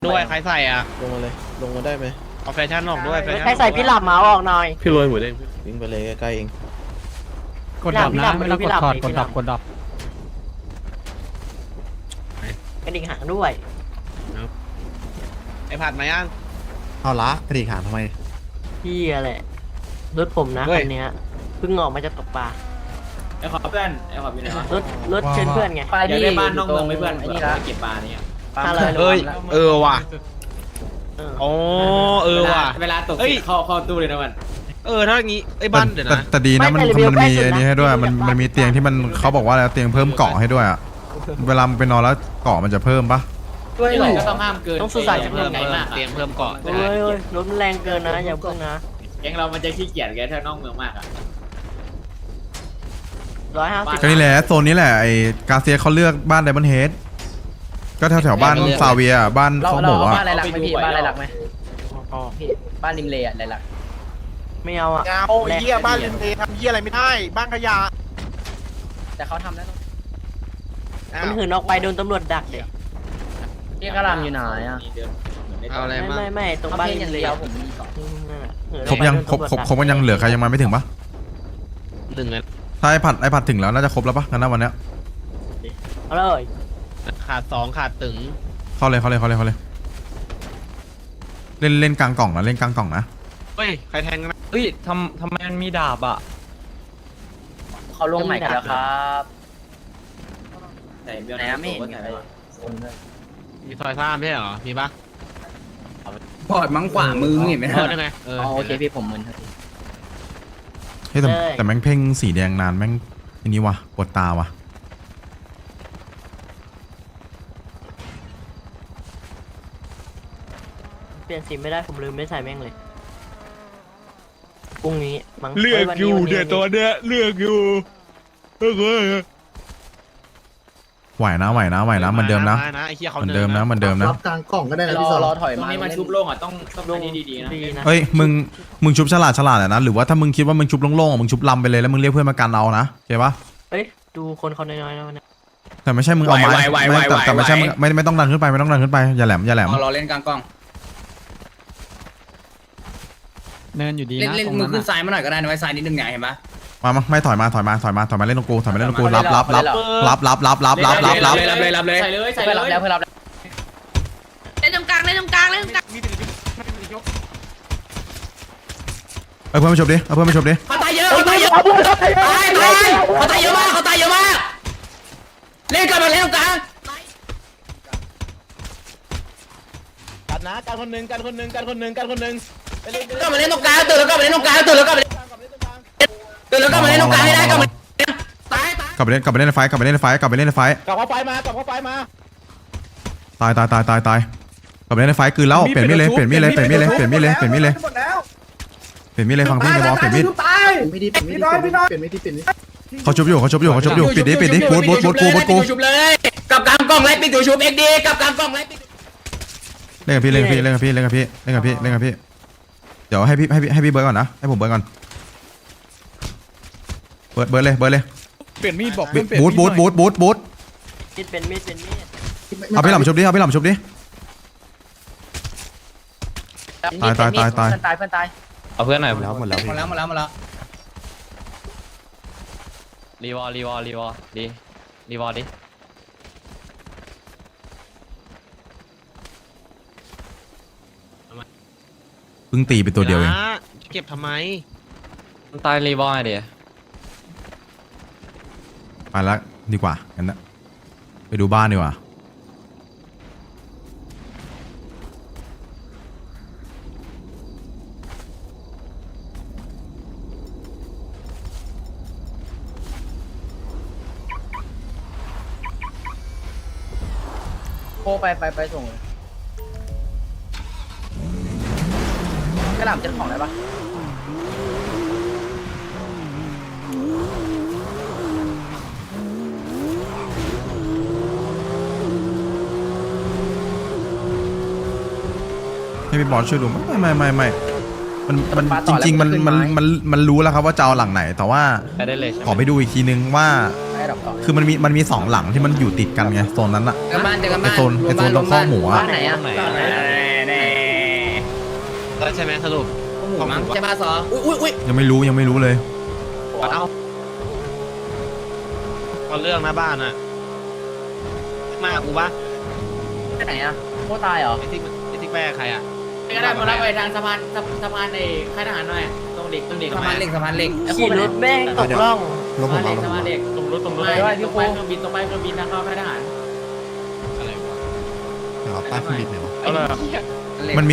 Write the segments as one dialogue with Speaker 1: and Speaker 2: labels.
Speaker 1: ด้วยใครใส่อ่ะ
Speaker 2: ลงมาเลยลงมาได้ไหม
Speaker 1: เอาแฟชั่นออกด้วยแฟชั่น
Speaker 3: ใครใส่พี่หลับมาออกหน่อย
Speaker 2: พี่รวยหมดเองวิ่งไปเลยใกล้ๆเอง
Speaker 4: กดดับนะไม่ต้องกดถอดกดดับ
Speaker 3: กระดิ่งหางด้วย
Speaker 1: ไอ้ผัดมายัง
Speaker 5: เอาละกระดิ่งหางทำไม
Speaker 3: พี่แหละรถผมนะคันเนี้ยเพิ่งออกมาจะตกปลา
Speaker 6: ไอ้ขอเพื่อนไอ้ขออยู่ไหนวะ
Speaker 3: รถเชิญเพื่อนไง
Speaker 6: อยากได้บ้านนอกเมืองไหมเพื่อนเผื่อไปเก็บปลาเนี่ย
Speaker 3: 500
Speaker 1: เฮ้ยว่ะ
Speaker 3: เออ
Speaker 1: อ๋อว่ะ
Speaker 6: เวลาตกเข้าตู้เลยนะมัน
Speaker 1: ถ้าอย่างงี้ไอ้บ้านเดี๋ยวนะ
Speaker 7: แต่ดีนะมันมีอันนี้ให้ด้วยมันมีเตียงที่มันเขาบอกว่าแล้วเตียงเพิ่มเกาะให้ด้วยอ่ะเวลามันไปนอนแล้วเกาะมันจะเพิ่มปะ
Speaker 6: ด้วยหรอก็ต้องห้ามเกิน
Speaker 3: ต้องสื่อสารกับ
Speaker 1: เพิ่
Speaker 3: เพื่อน
Speaker 1: ม
Speaker 3: ไง
Speaker 1: เตียงเพิ่มเกาะ
Speaker 3: เฮ้ยรถมันแรงเกินนะอย่าเพิ่งนะ
Speaker 6: แก๊งเรามันจะขี้เกียจแกถ้านอกเมืองมากอ่ะ
Speaker 3: 150
Speaker 7: ก็นี่แหละโซนนี้แหละไอ้กาเซียเขาเลือกบ้านไดมอนด์เฮดก็แถวบ้านซาเวียบ้านเขาบอกว่า
Speaker 8: บ้านอะไรหลักไหมพี่บ้านอะไรหลักไหมพี่บ้านริมเลอะไรหลัก
Speaker 3: ไม่เอาอ่ะ
Speaker 9: โอ้ยเหี้ยบ้านริมเลทำเหี้ยอะไรไม่ได้บ้านขยะ
Speaker 8: แต่เขาทำแล้ว
Speaker 3: มันหืนออกไปโดนตำรวจดักเด็ก
Speaker 8: พี่กระลำอยู่ไหนอ่ะ
Speaker 1: เอาอะไรมา
Speaker 3: ไม่ตรงบ้านริ
Speaker 8: อย่าม ง
Speaker 3: เล
Speaker 8: เดียวผมมีก่อน
Speaker 7: ครบยังครบกันยังเหลือใครยังมาไม่ถึงปะ
Speaker 1: หนึ่งเลย
Speaker 7: ถ้าไอ้ผัดถึงแล้วน่าจะครบแล้วปะงั้นนะวันเนี้ย
Speaker 3: เอาเลย
Speaker 1: ขาด2ขาดตึง
Speaker 7: เข้าเลยเล่นกลางกล่องนะเล่นกลางกล่องนะ
Speaker 1: เฮ้ยใครแทงนะ
Speaker 4: เฮ้ยทำไมมันมีดาบอ่ะ
Speaker 8: เขาลงใหม่กันแล้วครับ
Speaker 6: ใส่เบล
Speaker 8: ไหนอะไม่เห็น
Speaker 6: ใส่ไป
Speaker 1: มีซอยซ่าไม่ใช่เหรอมีปะ
Speaker 8: ปอดมังขวามือเห็นไหม
Speaker 1: ได้ไง
Speaker 8: โอเคพี่ผมมึน
Speaker 7: เฮ้ยแต่แม่งเพ่งสีแดงนานแม่งอันนี้วะปวดตาวะ
Speaker 3: เปลี่ยนสีไม่ได้ผมลืมไม่ใส่แม่งเลยพรุ่งนี้มั้ง
Speaker 1: เลือกอยู่เดี๋ยวตัวเนี้ยเลือกอยู่เฮ้ย
Speaker 7: ไหวนะเหมือนเดิมนะ
Speaker 1: ไอ้เหี้ยเขา
Speaker 7: เหมือนเดิมนะ
Speaker 5: รับกลางกล่องก็ได้นะพี่สอน
Speaker 8: รอถอย
Speaker 6: ตรง
Speaker 8: มา
Speaker 6: นี้มันชุบโล่งอ่ะต้องอันนี้ดีๆนะ
Speaker 3: ดีนะ
Speaker 7: เฮ้ยมึงชุบฉลาดอะนะหรือว่าถ้ามึงคิดว่ามึงชุบโล่งๆมึงชุบลำไปเลยแล้วมึงเรียกเพื่อนมากันเอานะเข้าปะ
Speaker 3: เฮ้ยดูคนเขาน้อยๆนะวันนี้
Speaker 7: แต่ไม่ใช่มึงเอาไม้แต่ไม่ใช่ไม่ต้องดันขึ้นไปอย่าแหลม
Speaker 8: รอเล่นกลางกล้อง
Speaker 4: เนินอยู่ดี
Speaker 8: เล่น
Speaker 4: นะ
Speaker 8: เล่น
Speaker 4: ตรง
Speaker 8: มือ
Speaker 4: นั้น
Speaker 8: ขึ้นซ้ายมาหน่อยก็ได้นะไว้ซ้ายนิดนึงไงเห็นปะ
Speaker 7: มาไม่ถอยมาเล่นตรงกูรับ
Speaker 6: เลยใส่เลย
Speaker 8: เพื่อนรับแล้วเพื่อนรับแล้ว
Speaker 10: เล่นตรงกลาง
Speaker 7: เอ้ยเพื่อนมาชมดิ
Speaker 8: เขาตายเยอะเขาตายเยอะมากเล่นกันมาเล่นตรงกลาง
Speaker 2: กันนะกันคนหนึ่งไปเลย
Speaker 8: ก็มาเล่นตรงกลางตื่นแล้วก็มาเล่นตรงกลางให้ได้กลับตาย
Speaker 7: กลับไปเล่นในไฟกลับเข้าไฟมาก
Speaker 2: ลับเข้าไฟมา
Speaker 7: ตายกลับไปเล่นในไฟคืนแล้วเปลี่ยนมีดเลยฟังพี่ในบอสเปลี่ยนมีด
Speaker 5: ไม่ดีเป็นไม่ดี
Speaker 7: เขาชุบอยู่ปิดดิบูทกู
Speaker 8: ชุบเลยกับกลางกล้องไล่ปิดตัวชุบเอ็กดีกับกลางกล้องไล่ปิด
Speaker 7: เล่นกับพี่เดี๋ยวให้พี่เบิร์ดก่อนนะให้ผมเบิร์ดก่อนเบิร์ดเลย
Speaker 4: เปลี่ยนมีดบอก
Speaker 7: บูท
Speaker 3: มีดเป็นมีด
Speaker 7: เอาพี่หล่ำชุบดิตาย
Speaker 8: เพื่อนตาย
Speaker 4: เอาเพื่อนหน่อย
Speaker 7: หมดแล้ว
Speaker 8: หมดแล้ว
Speaker 4: รีวอร์ดิ
Speaker 7: เพิ่งตีไปตัวเดียวเอง
Speaker 1: เก็บทำไม
Speaker 4: ตายรีวอร์เดี๋ยว
Speaker 7: ไปแล้วดีกว่างั้นนะไปดูบ้านดีกว่า
Speaker 8: โคไปส่งกระหล่ำเจ้าของอะไรปะ
Speaker 7: ให้พี่บอสช่วยดูไม่มันจริงๆมันรู้แล้วครับว่าจะเอาหลังไหนแต่ว่า
Speaker 4: ไปได้เลยใช่ไห
Speaker 7: ขอไปดูอีกทีนึงว่า
Speaker 8: ได้ดอกก่อน
Speaker 7: คือมันมีสองหลังที่มันอยู่ติดกันไงโซนนั้นอะ
Speaker 8: เจอกันบ้านเจอกัน
Speaker 7: ไอ
Speaker 8: บ้าน
Speaker 7: โซนตรงข้อหมูอะ
Speaker 8: บ้านไหนอ่ะ
Speaker 4: ได้ใช่ไหมสรุป
Speaker 8: หมูมั้งจะมาสออุ้ย
Speaker 7: ยังไม่รู้เลย
Speaker 4: เอาเรื่องนะบ้านอะมากูปะ
Speaker 8: ไปไหนอ่ะโคตรตายเหรอ
Speaker 4: ไอ้ที่แม่ใครอะ
Speaker 6: ก็ได้มารับไปทางสะพานในค่ายทหารหน่อยตรงเด็ก
Speaker 8: สะพานเหล็กไอ้
Speaker 3: ขี่รถแม่งตกร่อง
Speaker 6: สะพานเด็กตรงรถตรงไปเครื่องบินทางเข้าค่ายทหาร
Speaker 4: อะไรวะ
Speaker 7: ป้ายเครื่องบินเนี่ยวะ
Speaker 1: อะไรอะ
Speaker 7: มัน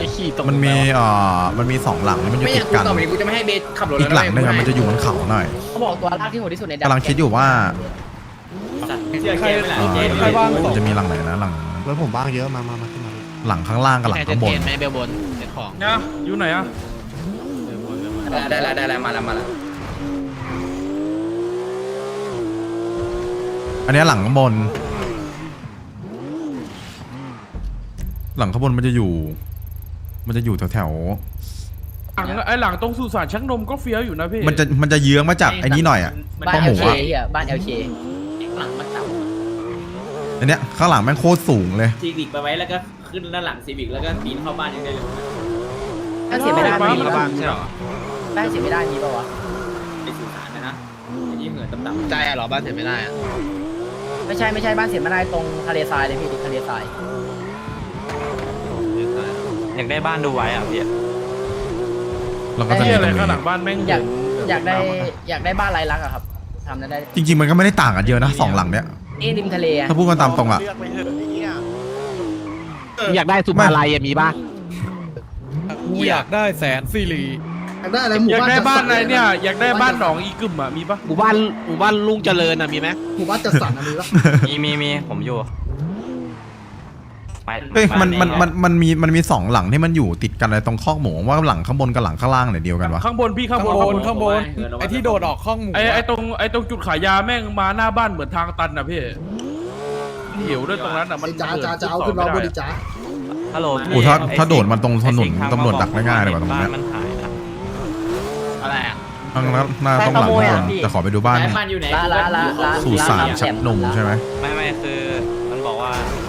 Speaker 7: มีสองหลังที่มันอยู่
Speaker 8: ไม่อ
Speaker 7: ติ
Speaker 8: ยาก
Speaker 7: ดกัน
Speaker 8: ต่อไปกูจะไม่ให้เบสขับรถ
Speaker 7: อีกหลังนึงอะมันจะอยู่บนเขาหน่อย
Speaker 8: เขาบอกตัวลากที่โหดที่สุดใน
Speaker 7: กำลังคิดอยู่ว่า
Speaker 6: เชื่อเกมไม่หลังเกม
Speaker 7: มันจะมีหลังไหนนะหลัง
Speaker 5: รถผมบ้างเยอะมาขึ้นมา
Speaker 7: หลังข้างล่างกับหลังข้างบน
Speaker 4: แม่เบลบนเซ็ตของ
Speaker 1: เนี่ยอยู่ไหนอะ
Speaker 8: ได้แล้วมาแล้ว
Speaker 7: อันเนี้ยหลังข้างบน หลังข้างบนมันจะอยู่แถว
Speaker 1: ไอหลังตรงสุสานชักนมก็เฟี้ยวอยู่นะพี่
Speaker 7: ๆมันจะเยื้องมาจากไอ้นี้หน่อยอะ
Speaker 8: บ้าน
Speaker 7: ข้อหมู
Speaker 8: LK
Speaker 7: อะ
Speaker 8: อ่ะบ้าน LK
Speaker 6: หลังมันต่
Speaker 7: อันเนี้ยข้างหลังแม่งโคตรสูงเลย
Speaker 6: ำซีวิกไปไว้แล้วก็ขึ้นด้านหลังซีวิกแล้วก็ปีนเข้าบ้านยังได้เลย
Speaker 8: ถ้าเสียไม่ได้
Speaker 1: บ้าน
Speaker 8: มี
Speaker 1: มัน
Speaker 8: ป่ะ
Speaker 4: ใช่หรอ
Speaker 8: ได้เสียไม่ได้มีป่ะวะ
Speaker 6: ไปสื่อสารนะที่เหมือนต่ำ
Speaker 4: ใจอะหรอบ้านเสร็จไม่ได้อะ
Speaker 8: ไม่ใช่บ้านเสียไม่ได้ตรงทะเลทรายเลยพี่ทะเลทราย
Speaker 4: อยากได้บ้านดูไว้อะพี่
Speaker 7: แล้วก็จะ
Speaker 1: ที่
Speaker 7: มี
Speaker 1: อะไร
Speaker 7: ตรง
Speaker 1: ข้างหลั
Speaker 7: นี้
Speaker 1: งบ้านแม่ง
Speaker 8: อยากได้บ้านไรลักษ์อะครับทำได้
Speaker 7: จริงๆมันก็ไม่ได้ต่างกันเยอะนะสองหลังเนี้ย
Speaker 8: นี่ริมทะเลอะ
Speaker 7: ถ้าพูดกันตามตรงอะ
Speaker 9: เลือกไปเถอะไอ้เหี้ย
Speaker 4: อยากได้สุภาลัยมีป่ะ
Speaker 1: กูอยากได้แสนซีรี
Speaker 5: อยากได้อะไรหมู่
Speaker 1: อยาก
Speaker 5: บ้าน
Speaker 1: ได้
Speaker 5: จัด
Speaker 1: บ้า
Speaker 5: ส
Speaker 1: น
Speaker 5: รร
Speaker 1: อะไรเนี่ยอยากได้บ้านหนองอีกึ่มอะมีปะ
Speaker 4: หมู่บ้านลุงเจริญอะมีไหม
Speaker 5: หมู่บ้านจัดสรรมีปะ
Speaker 4: มีผมอยู่
Speaker 7: เฮ้ยมันมีสองหลังที่มันอยู่ติดกันเลยตรงข้อหมูว่าหลังข้างบนกับหลังข้างล่างเนี่ยเดียวกันวะ
Speaker 1: ข้างบนพี่ข้างบนไอที่โดดออกข้องหมูไอตรงจุดขายยาแม่งมาหน้าบ้านเหมือนทางตันนะพี่เหี่ยวด้วยตรงนั้นอะมัน
Speaker 5: จ้าจะเอาขึ้นมาบริจาค
Speaker 4: ฮัลโหล
Speaker 7: โอ้ถ้าโดดมันตรงถนนตำรวจดักได้ง่ายเลยว่ะตรงเนี้ย
Speaker 4: มันหายนะอะไรอะ
Speaker 7: ข้างหน้าต้องหลังข้างบนแต่ขอไปดูบ้าน
Speaker 6: บ้านอยู่ไหน
Speaker 8: ละ
Speaker 7: สู่สารชักนมใช่ไหม
Speaker 4: ไม่คือมันบอกว่า